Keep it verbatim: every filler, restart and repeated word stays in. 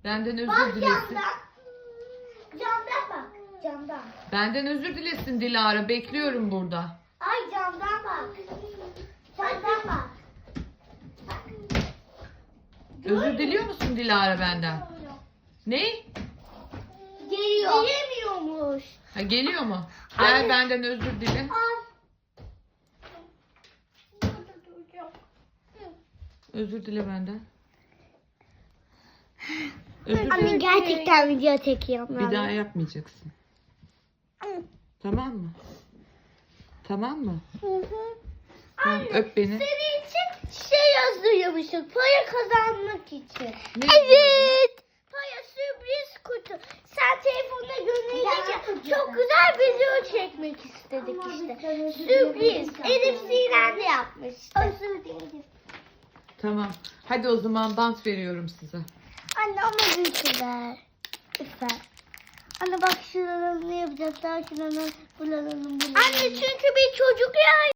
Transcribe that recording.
Benden özür Bak dilesin. camdan. Camdan bak. Camdan. Benden özür dilesin Dilara. Bekliyorum burada. Ay camdan bak. Camdan bak. Özür diliyor musun Dilara benden? Ne? Geliyor. Diyemiyormuş. Ha, geliyor mu? Gel Anne. benden özür dile. Al. Özür dile benden. Özür Anne dile. gerçekten video çekiyorum. Bir daha yapmayacaksın. Tamam mı? Tamam mı? Hı hı. Tamam, Anne, öp beni. senin için şey yazıyormuşum. Para kazanmak için. Ne? Evet. Para sürpriz kutu. Sen telefonuna gönderecek ya. Çok güzel video çekmek istedik işte. Sürpriz. Elif Sinem de yapmış. Özür dilerim. Tamam. Hadi o zaman bant veriyorum size. Anne ama lütfen. Lütfen. Anne bak şuralarını yapacağız. Daha şuralarını, buralarını, buralarını. Anne çünkü bir çocuk ya.